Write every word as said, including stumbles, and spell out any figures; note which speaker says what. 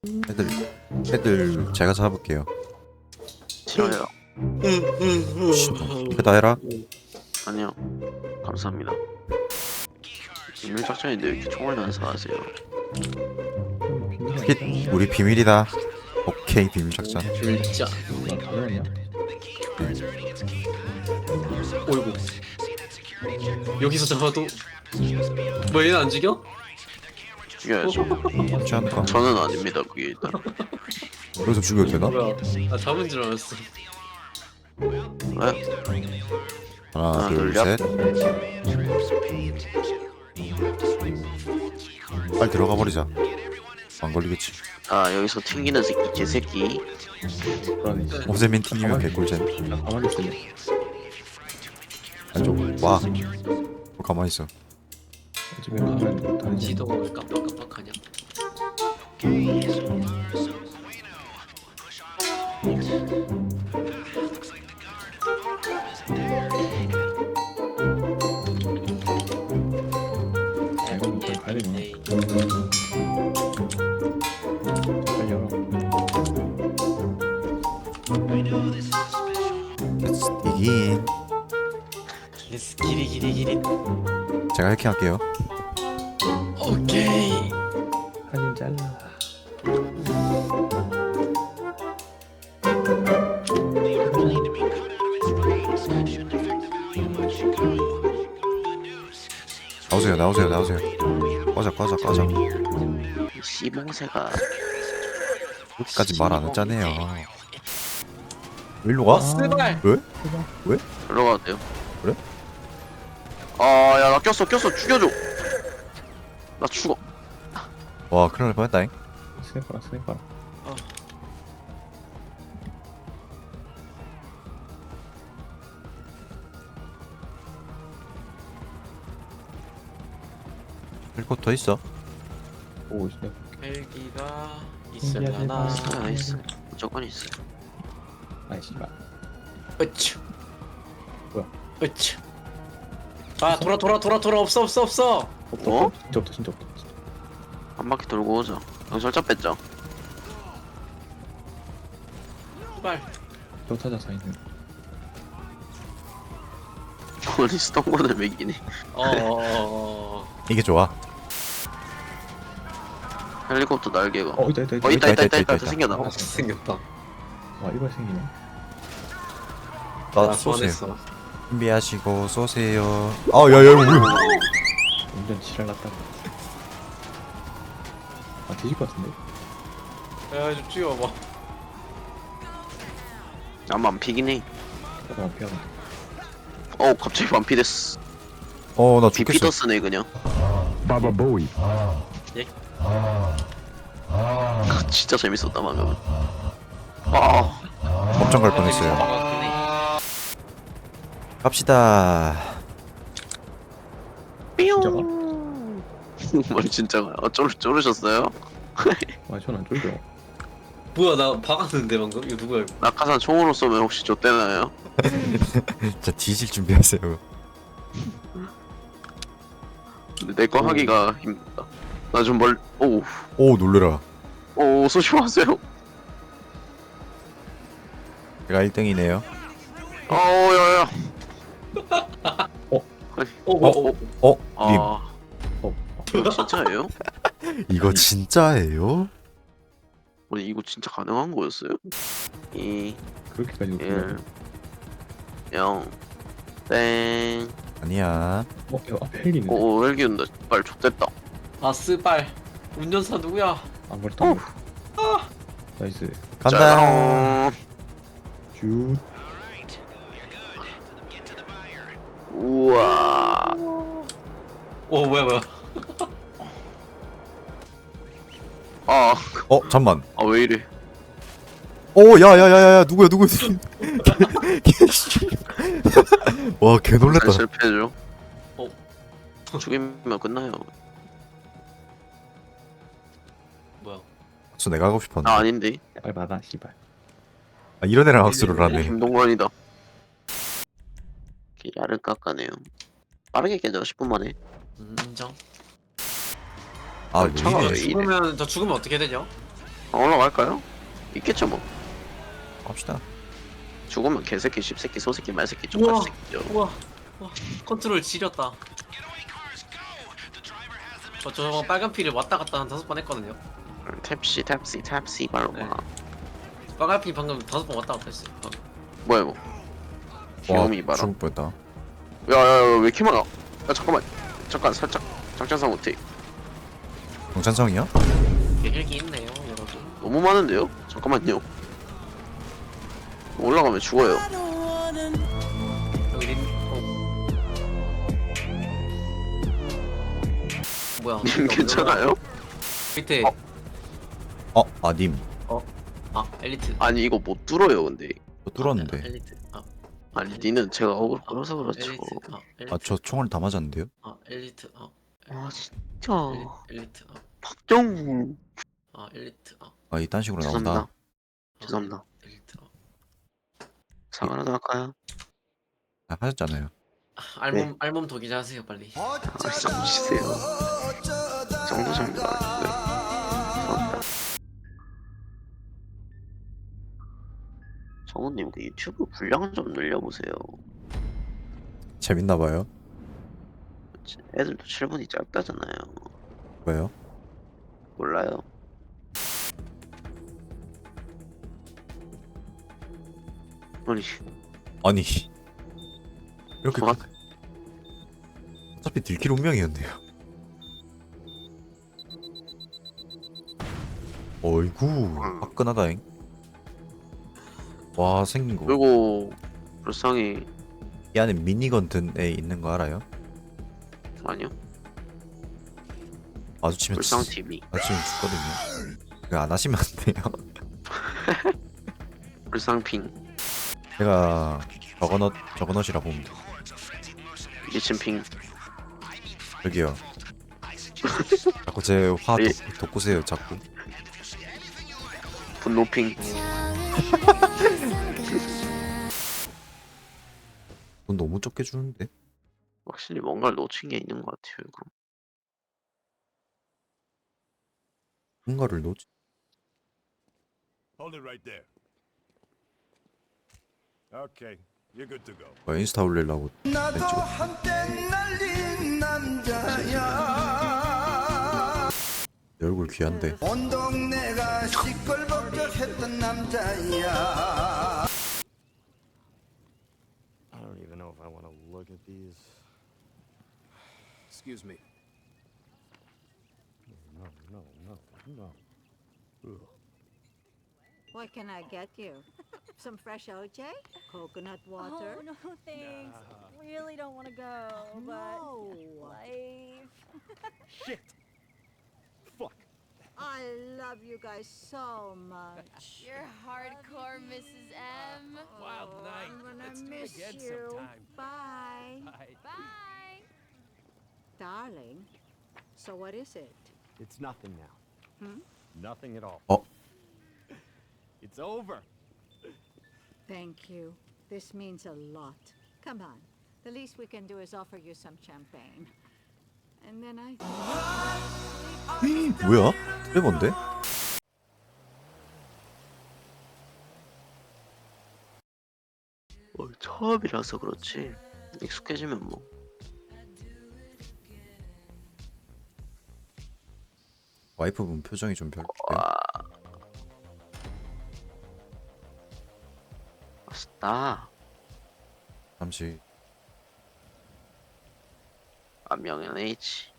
Speaker 1: 애들 애들 제가 잡을게요.
Speaker 2: 싫어요.
Speaker 1: 이거 다 해라.
Speaker 2: 아니요. 감사합니다. 비밀 작전인데 왜 이렇게 총을 난사하세요?
Speaker 1: 핏 우리 비밀이다. 오케이 비밀 작전.
Speaker 3: 진짜. 어이구. 여기서 잡아도 뭐 얘는 안 죽여?
Speaker 2: 죽여야죠.
Speaker 1: 맞지 않을까?
Speaker 2: 저는 아닙니다. 그게 일단.
Speaker 1: 여기서 죽여도 되나?
Speaker 3: 뭐야? 나 잡은 줄 알았어.
Speaker 2: 왜?
Speaker 1: 하나
Speaker 2: 하나,
Speaker 1: 둘
Speaker 2: 둘,
Speaker 1: 셋. 빨리 들어가 버리자. 안 걸리겠지.
Speaker 2: 아 여기서 튕기는 새끼 개새끼.
Speaker 1: 오세민 튕기면 개꿀잼.
Speaker 4: 가만히 있을래.
Speaker 1: 안쪽 와. 어, 가만히 있어.
Speaker 4: 집에 가면 다른 집.
Speaker 3: 지도가 왜 깜빡깜빡하냐?
Speaker 4: 아, 이건 일단 가야 되네. 빨리 열어.
Speaker 1: 이긴.
Speaker 3: 레스 기리 기리 기리.
Speaker 1: 제가 해킹할게요.
Speaker 3: 오케이.
Speaker 4: 사진 잘라.
Speaker 1: 나오세요 나오세요 나오세요. 꺼져 꺼져 꺼져.
Speaker 2: 이 씨봉새가
Speaker 1: 여기까지 말 안 했잖아요. 일로 가?
Speaker 3: 어, 스발.
Speaker 1: 왜?
Speaker 2: 들어가도 돼요.
Speaker 1: 그래?
Speaker 2: 아야 나 꼈어 꼈어 죽여줘. 나 죽어.
Speaker 1: 와 큰일 날 뻔했다잉.
Speaker 4: 스냅 스냅 봐라.
Speaker 1: 헬코더 있어.
Speaker 4: 오 스냅.
Speaker 3: 헬기가
Speaker 4: 신기하네.
Speaker 3: 있으려나?
Speaker 2: 있어요 있어. 무조건 있어.
Speaker 4: 아이 씨발.
Speaker 3: 으츠.
Speaker 4: 뭐야?
Speaker 3: 으츠. 아 돌아 돌아 돌아 돌아 없어 없어 없어.
Speaker 4: 없다.
Speaker 2: 어?
Speaker 4: 없다. 진짜 없다. 진짜 없다. 진짜.
Speaker 2: 한 바퀴 돌고 오자. 경찰차 뺐죠.
Speaker 3: 스발.
Speaker 4: 또 찾아서 있는.
Speaker 2: 아니 스톤건을 매기네.
Speaker 3: 어어어.
Speaker 1: 이게 좋아.
Speaker 2: 헬리콥터 날개가.
Speaker 4: 어 있다 있다 있다.
Speaker 2: 어 있다 있다 있다
Speaker 1: 있다,
Speaker 2: 있다.
Speaker 1: 있다.
Speaker 2: 생겨나.
Speaker 3: 어 생겼다.
Speaker 4: 와 이거 생기네.
Speaker 1: 나
Speaker 3: 나
Speaker 1: 쏘세요.
Speaker 3: 소환했어.
Speaker 1: 준비하시고 쏘세요. 아 야야 우리.
Speaker 4: 완전 지랄 났다. 아 뒤질 것 같은데.
Speaker 3: 야좀 찍어봐.
Speaker 2: 아마 안 피긴 해.
Speaker 4: 나도 안 피하네.
Speaker 2: 어 갑자기 반피됐어.
Speaker 1: 어나 죽겠어.
Speaker 2: 비피더스네 그냥.
Speaker 5: Baba Bowie.
Speaker 2: 진짜 재밌었다 방금. 아
Speaker 1: 엄청 갈 뻔했어요. 갑시다.
Speaker 4: 진짜가?
Speaker 2: 머리 진짜가. 어 쫄, 쫄으셨어요?
Speaker 4: 아 전안 쫄죠.
Speaker 3: 뭐야 나 박았는데 방금? 이거 누구야 이거?
Speaker 2: 낙하산 총으로 쏘면 혹시 좆되나요?
Speaker 1: 자 뒤질 준비하세요.
Speaker 2: 근데 내 거 하기가 힘들다. 나 좀 멀. 오우.
Speaker 1: 오 놀래라.
Speaker 2: 오 쏘지 마세요.
Speaker 1: 제가 일 등이네요.
Speaker 2: 어우 야야.
Speaker 3: 어어어.
Speaker 1: 어? 님
Speaker 2: 아
Speaker 4: 어.
Speaker 2: 이거 진짜예요?
Speaker 1: 이거 진짜예요?
Speaker 2: 아니 이거 진짜 가능한 거였어요? 이
Speaker 4: 그렇게까지 어떻게
Speaker 2: 일 영 땡.
Speaker 4: 어?
Speaker 1: 아니야.
Speaker 4: 야 앞에 헬기네.
Speaker 2: 오 헬기 온다. 빨 좆됐다.
Speaker 3: 아 스발. 운전사 누구야?
Speaker 4: 안 걸렸다.
Speaker 3: 아.
Speaker 4: 나이스.
Speaker 1: 간다.
Speaker 2: 짜랑.
Speaker 4: 슛.
Speaker 2: 우와.
Speaker 3: 오 뭐야 뭐야.
Speaker 2: 아,
Speaker 1: 어 잠만.
Speaker 2: 아 왜 이래?
Speaker 1: 오 야야야야야 누구야 누구야. 와 개
Speaker 2: 잘
Speaker 1: 놀랬다.
Speaker 2: 실패해줘.
Speaker 3: 어.
Speaker 2: 죽이면 끝나요.
Speaker 3: 뭐야?
Speaker 1: 저 내가 하고 싶었는데.
Speaker 2: 아 아닌데.
Speaker 4: 빨리 받아 씨발.
Speaker 1: 아, 이런 애랑 학수를 하네.
Speaker 2: 김동관이다. 야를 깎아내요. 빠르게 깨져 십 분 만에.
Speaker 3: 인정.
Speaker 1: 아
Speaker 2: 차가
Speaker 1: 왜
Speaker 2: 왜
Speaker 1: 이래?
Speaker 2: 이래?
Speaker 3: 죽으면 저 죽으면 어떻게 되죠?
Speaker 2: 아, 올라갈까요? 있겠죠 뭐.
Speaker 1: 갑시다.
Speaker 2: 죽으면 개새끼, 씹새끼, 소새끼, 말새끼,
Speaker 3: 우와.
Speaker 2: 쪽팔 새끼죠.
Speaker 3: 우와. 와 컨트롤 지렸다. 저 저거 빨간 피를 왔다 갔다 한 다섯 번 했거든요.
Speaker 2: 탭시, 탭시, 탭시 발로
Speaker 3: 네.
Speaker 2: 봐.
Speaker 3: 빨간 피 방금 다섯 번 왔다 갔다 했어요. 어.
Speaker 2: 뭐야 이거? 귀요미 봐라.
Speaker 1: 죽을 뻔했다.
Speaker 2: 야야야 왜 이렇게 많아? 야 잠깐만. 잠깐 살짝 장전상 못해.
Speaker 1: 경찬성이요?
Speaker 3: 헬기 있네요, 여러분.
Speaker 2: 너무 많은데요? 잠깐만요. 올라가면 죽어요.
Speaker 3: 여기 린. 어. 뭐야?
Speaker 2: 님 괜찮아요?
Speaker 3: 밑에.
Speaker 2: 어.
Speaker 1: 어, 아 님.
Speaker 3: 아 엘리트.
Speaker 2: 아니 이거 못 뚫어요 근데.
Speaker 1: 저 뚫었는데.
Speaker 3: 아, 엘리트. 아,
Speaker 2: 아니 니는 제가 억울 끌어서 그렇죠.
Speaker 3: 엘리트. 아, 엘리트.
Speaker 1: 아 저 총알 다 맞았는데요?
Speaker 3: 아 엘리트. 아
Speaker 2: 아 진짜.
Speaker 3: 엘리, 엘리트. 아,
Speaker 2: 박정우.
Speaker 3: 아 엘리트. 아,
Speaker 1: 아 이딴 식으로
Speaker 2: 죄송합니다.
Speaker 1: 나온다.
Speaker 3: 아,
Speaker 2: 죄송합니다.
Speaker 3: 엘리트. 아.
Speaker 2: 사과 하나 더 할까요?
Speaker 1: 아, 하셨잖아요.
Speaker 3: 아, 알몸 알몸 도기자 하세요 빨리.
Speaker 2: 아 진짜 무시세요. 정도 정도 아니고요. 죄송합니다. 정우님 그 유튜브 분량 좀 늘려보세요.
Speaker 1: 재밌나봐요.
Speaker 2: 애들도 칠 분이 짧다잖아요.
Speaker 1: 왜요?
Speaker 2: 몰라요. 아니
Speaker 1: 아니 이렇게
Speaker 2: 저가
Speaker 1: 어차피 들킬 운명이었네요. 어이구 화끈하다잉. 와 생긴 거.
Speaker 2: 그리고 불쌍히
Speaker 1: 이 안에 미니건 든 애 있는 거 알아요?
Speaker 2: 아니요.
Speaker 1: 마주치면
Speaker 2: 불쌍
Speaker 1: 지-
Speaker 2: 티비.
Speaker 1: 마주치면 죽거든요. 그거 안 하시면 안 돼요.
Speaker 2: 불쌍핑.
Speaker 1: 제가 저거넛 저거넛이라 보면 돼.
Speaker 2: 미친핑.
Speaker 1: 저기요. 자꾸 제화
Speaker 2: 예.
Speaker 1: 돋구세요 자꾸.
Speaker 2: 분노핑.
Speaker 1: 돈 너무 적게 주는데.
Speaker 2: 확실히 뭔가를 놓친 게 있는 것 같아요. 이거.
Speaker 1: 뭔가를 놓지.
Speaker 5: Hold it right there. Okay, you're good to go.
Speaker 1: 뭐 인스타 올리려고
Speaker 6: 나도
Speaker 1: 찍어.
Speaker 6: 한때 날린 남자야
Speaker 1: 내 얼굴 귀한데.
Speaker 6: 온 동네가 시끌벅적했던 남자야
Speaker 5: I don't even know if I want to look at these. Excuse me. No, no, no, no. Ugh.
Speaker 7: What can I get you? Some fresh O J? Coconut water?
Speaker 8: Oh, no, thanks. Really don't want to go, but
Speaker 7: No.
Speaker 8: life.
Speaker 5: Shit! Fuck!
Speaker 7: I love you guys so much.
Speaker 9: You're hardcore, Missus M.
Speaker 7: Wild night. I'm gonna miss you. Bye.
Speaker 9: Bye.
Speaker 7: Darling, so what is it?
Speaker 5: It's nothing now.
Speaker 7: Hmm?
Speaker 5: Nothing at all.
Speaker 1: Oh.
Speaker 5: It's over.
Speaker 7: Thank you. This means a lot. Come on. The least we can do is offer you some champagne. And then I...
Speaker 1: 뭐야? 트레버인데?
Speaker 2: 어, 처음이라서 그렇지. 익숙해지면 뭐.
Speaker 1: 와이프분 표정이 좀 별로예요.
Speaker 2: 맛있다.
Speaker 1: 잠시
Speaker 2: 안명현 H.